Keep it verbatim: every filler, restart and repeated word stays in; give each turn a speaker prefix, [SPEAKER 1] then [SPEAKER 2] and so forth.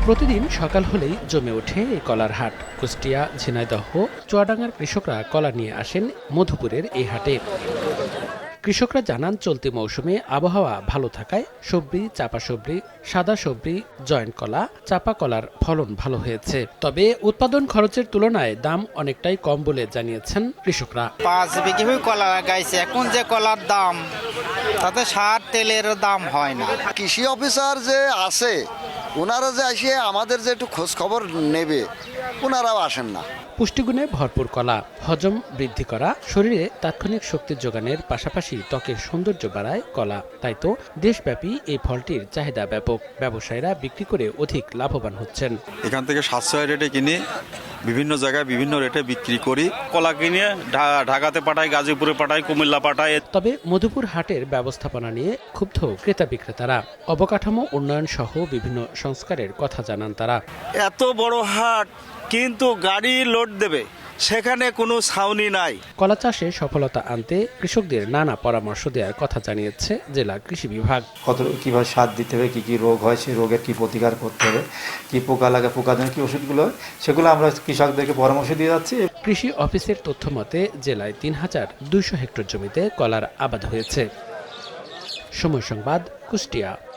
[SPEAKER 1] প্রতিদিন সকাল হলেই জমে ওঠে এই কলার হাট। কুষ্টিয়া, ঝিনাইদহ, চুয়াডাঙ্গার কৃষকরা কলা নিয়ে আসেন মধুপুরের এই হাটে। কৃষকরা জানান, চলতি মৌসুমে আবহাওয়া ভালো থাকায় সবজি, চাপা সবজি, সাদা সবজি, জয়েন্ট কলা, চাপা কলার ফলন ভালো হয়েছে। তবে উৎপাদন খরচের তুলনায় দাম অনেকটাই কম বলে জানিয়েছেন কৃষকরা।
[SPEAKER 2] পাঁচ বিঘে কলা লাগাইছে, এখন যে কলার দাম তাতে সার তেলের দাম হয় না।
[SPEAKER 3] কৃষি অফিসার যে আছে ওনারা যে আসে আমাদের যে একটু খোঁজ খবর নেবে, ওনারাও আসেন না।
[SPEAKER 1] পুষ্টিগুণে ভরপুর কলা হজম বৃদ্ধি করা, শরীরে তাৎক্ষণিক শক্তি যোগানের পাশাপাশি ত্বকের সৌন্দর্য বাড়ায় কলা। তাই তো দেশব্যাপী এই ফলটির চাহিদা ব্যাপক। ব্যবসায়ীরা বিক্রি করে অধিক লাভবান হচ্ছেন।
[SPEAKER 4] এখান থেকে সাশ্রয় রেটে কিনে বিভিন্ন জায়গায় বিভিন্ন রেটে বিক্রি করি। কলা কিনে ঢাকাতে পাঠাই, গাজীপুরে পাঠাই, কুমিল্লা পাঠাই।
[SPEAKER 1] তবে মধুপুর হাটের ব্যবস্থাপনা নিয়ে ক্ষুব্ধ ক্রেতা বিক্রেতারা। অবকাঠামো উন্নয়ন সহ বিভিন্ন সংস্কারের কথা জানান তারা।
[SPEAKER 5] এত বড় হাট কিন্তু গাড়ি লোড দেবে, সেখানে কোনো ছাউনি নাই।
[SPEAKER 1] কলা চাষে সফলতা আনতে কৃষকদের নানা পরামর্শ দেওয়ার কথা জানিয়েছে জেলা কৃষি বিভাগ।
[SPEAKER 6] কত কীভাবে সার দিতে হবে, কী কী রোগ হয়, সেই রোগের কী প্রতিকার করতে হবে, কী পোকা লাগে, পোকার জন্য কী ওষুধগুলো হয়, সেগুলো আমরা কৃষকদেরকে পরামর্শ দিয়ে যাচ্ছি।
[SPEAKER 1] কৃষি অফিসের তথ্য মতে জেলায় তিন হাজার দুইশো হেক্টর জমিতে কলার আবাদ হয়েছে। সময় সংবাদ, কুষ্টিয়া।